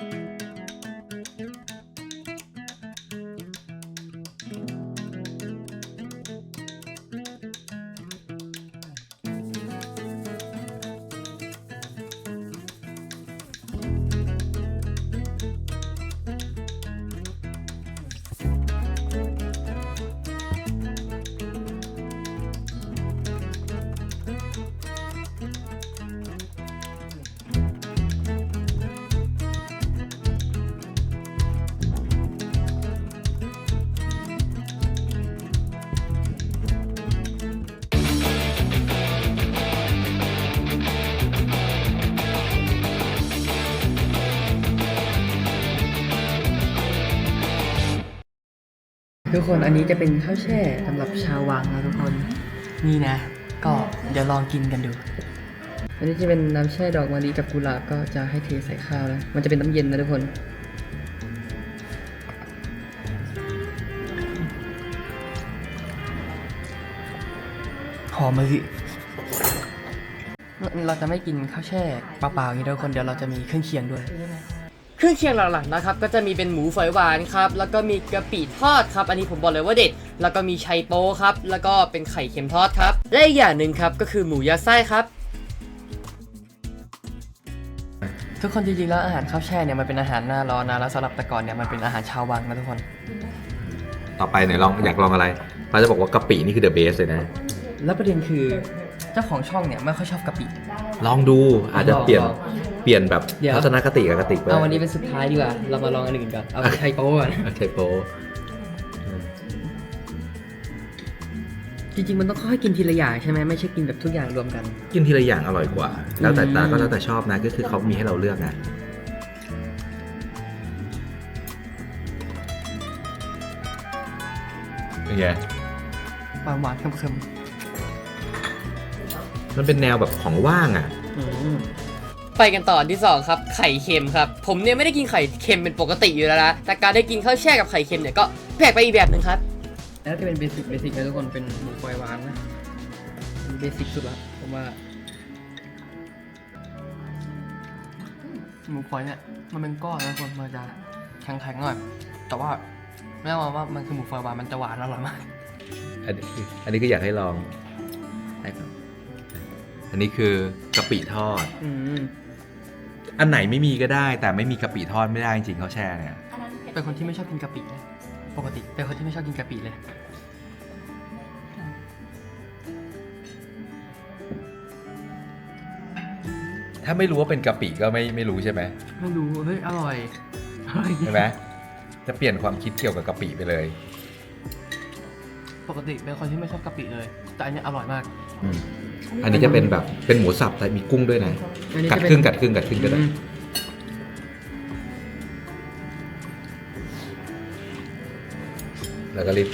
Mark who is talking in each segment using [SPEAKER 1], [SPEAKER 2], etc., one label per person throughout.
[SPEAKER 1] ทุกคนอันนี้จะเป็นข้าวแช่สำหรับชาววังนะทุกคนนี่นะก็เดี๋ยวลองกินกันดูอันนี้จะเป็นน้ำแช่ดอกมะลิกับกุหลาบก็จะให้เทใส่ข้าวนะมันจะเป็นน้ำเย็นนะทุกคนหอมมะลิเราจะไม่กินข้าวแช่เปล่าๆอย่างนี้ทุกคนเดี๋ยวเราจะมีเครื่องเคียงด้วยเครื่องเคียงหลักๆนะครับก็จะมีเป็นหมูฝอยหวานครับแล้วก็มีกะปิทอดครับอันนี้ผมบอกเลยว่าเด็ดแล้วก็มีไชโป๊ครับแล้วก็เป็นไข่เค็มทอดครับและอีกอย่างหนึ่งครับก็คือหมูยัดไส้ครับทุกคนจริงๆแล้วอาหารข้าวแช่เนี่ยมันเป็นอาหารหน้าร้อนนะแล้วสำหรับแต่ก่อนเนี่ยมันเป็นอาหารชาววังนะทุกคน
[SPEAKER 2] ต่อไปเนี่ยอยากลองอะไรเราจะบอกว่ากะปินี่คือเดอะเบสเลยนะ
[SPEAKER 1] แล้วประเด็นคือเจ้าของช่องเนี่ยไม่ค่อยชอบกะปิ
[SPEAKER 2] ลองดูอาจจะเปลี่ยนแบบทัศนคติกับกะติกไป
[SPEAKER 1] เอาวันนี้เป็นสุดท้ายดีกว่าเรามาลองอันอื่นก่อนเอาไชโป๊ก่อน
[SPEAKER 2] ไชโป๊
[SPEAKER 1] จริงๆมันต้องค่อยกินทีละอย่างใช่ไหมไม่ใช่กินแบบทุกอย่างรวมกัน
[SPEAKER 2] กินทีละอย่างอร่อยกว่าแล้วแต่ก็แล้วแต่ชอบนะก็คือเขามีให้เราเลือกนะเป็นไง
[SPEAKER 1] หวานๆเค็ม
[SPEAKER 2] ๆมันเป็นแนวแบบของว่างอ่ะ
[SPEAKER 1] ไปกันต่อที่2ครับไข่เค็มครับผมเนี่ยไม่ได้กินไข่เค็มเป็นปกติอยู่แล้วนะแต่การได้กินข้าวแช่กับไข่เค็มเนี่ยก็แปลกไปอีกแบบหนึ่งครับแล้วจะเป็นเบสิกนะทุกคนเป็นหมูฝอยหวานนะเบสิกสุดละผมว่าหมูฝอยเนี่ยมันเป็นก้อนนะคนมันจะแข็งๆหน่อยแต่ว่าไม่ต้องมองว่ามันคือหมูฝอยหวานมันจะหวานอร่อยมาก
[SPEAKER 2] อันนี้ก็อยากให้ลองอันนี้คือกะปิทอดอันไหนไม่มีก็ได้แต่ไม่มีกะปิทอดไม่ได้จริงๆเขาแช่เนี่ย
[SPEAKER 1] เป็นคนที่ไม่ชอบกินกะปินะปกติเป็นคนที่ไม่ชอบกินกะปิเลย
[SPEAKER 2] ถ้าไม่รู้ว่าเป็นกะปิก็ไม่รู้ใช่ไหม
[SPEAKER 1] ไม่รู้เฮ้ยอร่อย
[SPEAKER 2] ใช่ไหมจะเปลี่ยนความคิดเกี่ยวกับกะปิไปเลย
[SPEAKER 1] ปกติเป็นคนที่ไม่ชอบกะปิเลยแต่อันนี้อร่อยมาก
[SPEAKER 2] อันนี้จะเป็นแบบเป็นหมูสับแต่มีกุ้งด้วยนะกัดครึ่งก็ได้แล้วก็รีบ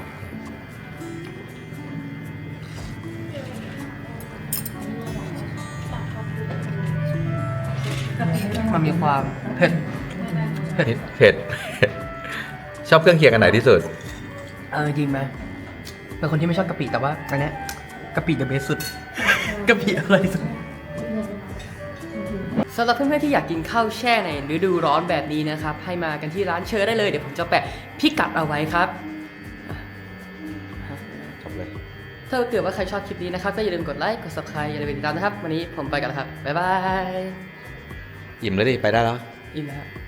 [SPEAKER 1] มันมีความเผ็ด
[SPEAKER 2] ชอบเครื่องเคียงอันไหนที่สุด
[SPEAKER 1] จริงไหมเป็นคนที่ไม่ชอบกะปิแต่ว่าอันนี้กะปิเดอะเบสสุดกะปิอร่อยสุดสำหรับเพื่อนๆที่อยากกินข้าวแช่ในฤดูร้อนแบบนี้นะครับให้มากันที่ร้านเชอร์ได้เลยเดี๋ยวผมจะแปะพิกัดเอาไว้ครับถ้าเกิดว่าใครชอบคลิปนี้นะครับก็อย่าลืมกดไลค์กด Subscribe อย่าลืมติดตามนะครับวันนี้ผมไปกันแล้วครับบ๊ายบาย
[SPEAKER 2] อิ่มแล้วดิไปได้แล้ว
[SPEAKER 1] อิ่มแล้ว